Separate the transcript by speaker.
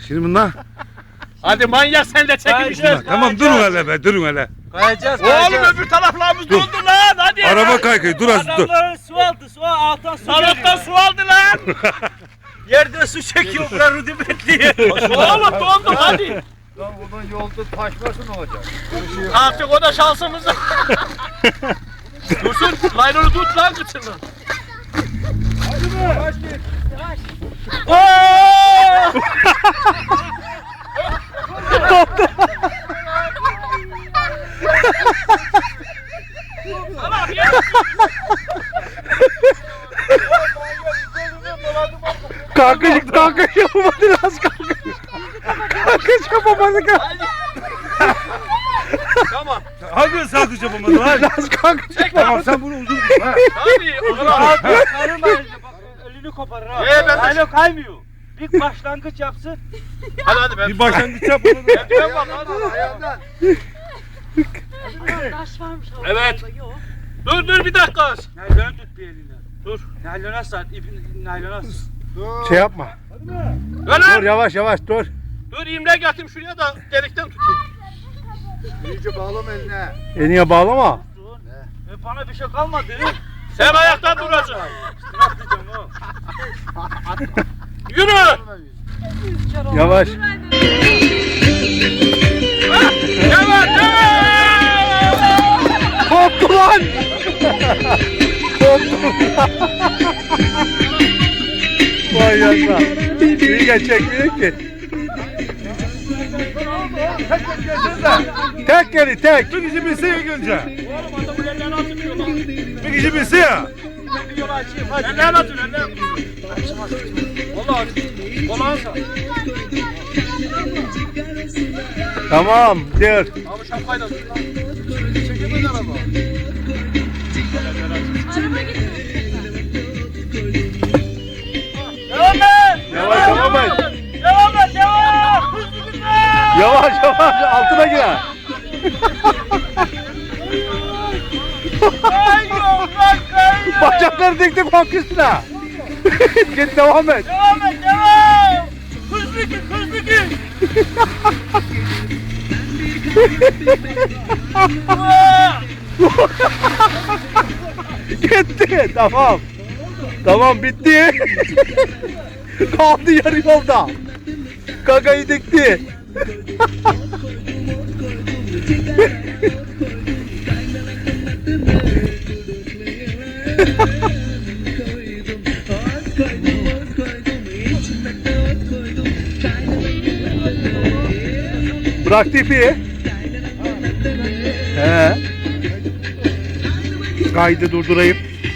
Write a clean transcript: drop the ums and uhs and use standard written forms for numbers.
Speaker 1: Şimdi bunlar.
Speaker 2: Hadi manyak sen de çekilmişsin.
Speaker 1: Tamam durun hele be durun hele.
Speaker 3: Kayacağız.
Speaker 2: Oğlum öbür taraflarımız doldu lan hadi.
Speaker 1: Araba kaykay dur az dur.
Speaker 3: Adamların su aldı. Su alttan su
Speaker 2: Salaktan su aldı lan.
Speaker 3: Yerde su çekiyor. Bura rudimentli.
Speaker 2: Oğlum doldu hadi.
Speaker 4: Lan onun yolda taşmasın olacak.
Speaker 2: Artık o da şansımız. Dursun laylonu tut lan kıçını.
Speaker 4: Kaç git.
Speaker 1: Kalkış yapamadı az kalkış. Kalkış yapamadı.
Speaker 2: Tamam.
Speaker 1: Hangi kalkış yapamadı lan? Az kalkış. Tamam sen bunu uzun tut ha.
Speaker 2: Hadi. O kadar.
Speaker 3: Karın elini koparır ha.
Speaker 2: Ben de-
Speaker 3: Alo kaymıyor. Bir başlangıç yapsın.
Speaker 2: Hadi ben.
Speaker 1: Bir başlangıç yap bunu.
Speaker 2: Ben bak hadi.
Speaker 4: Ayağından.
Speaker 5: Taş varmış havuzda.
Speaker 2: Evet.
Speaker 5: Yok.
Speaker 2: Dur bir dakika.
Speaker 3: Naylonu tut bir elinden.
Speaker 2: Dur.
Speaker 3: Naylona sar. İpin naylona sar.
Speaker 4: Dur.
Speaker 1: Şey yapma.
Speaker 2: Ver lan.
Speaker 1: Dur yavaş dur.
Speaker 2: Dur imle getireyim şuraya da delikten tutayım.
Speaker 4: İyice bağlama eline.
Speaker 1: Eniye bağlama.
Speaker 3: Bana bir şey kalmadı.
Speaker 2: Sen ayakta duracaksın.
Speaker 3: Atlayacağım o.
Speaker 2: Yürü.
Speaker 1: Yavaş.
Speaker 2: Yavaş.
Speaker 1: Koptu lan. Vay yanına. İyi çekmiyor ki. Tek geli tek. Bir kişi bilse ilk önce.
Speaker 2: Oğlum adamın ellerini atıyor lan.
Speaker 1: Bir kişi bilse ya.
Speaker 2: Bir yolu açayım hadi. Ellerini atın ellerini. Valla kolağın sağ.
Speaker 1: Tamam dur.
Speaker 2: Abi şapkayla tut lan.
Speaker 4: Çekemez araba.
Speaker 5: Araba gidiyor.
Speaker 3: Devam et.
Speaker 1: Yavaş devam et.
Speaker 3: Devam et. Devam. Hızlı gitme.
Speaker 1: Yavaş altına gir.
Speaker 3: Kayıyor. Bak kayıyor.
Speaker 1: Bacakları dik dik bak üstüne. Git devam et.
Speaker 3: Devam et. Devam. Hızlı git. Hızlı git.
Speaker 1: Gitti. Tamam. Tamam bitti. Kaldı yarı yolda. Gagayı dikti. Bıraktı ipi. He. Kaydı durdurayım.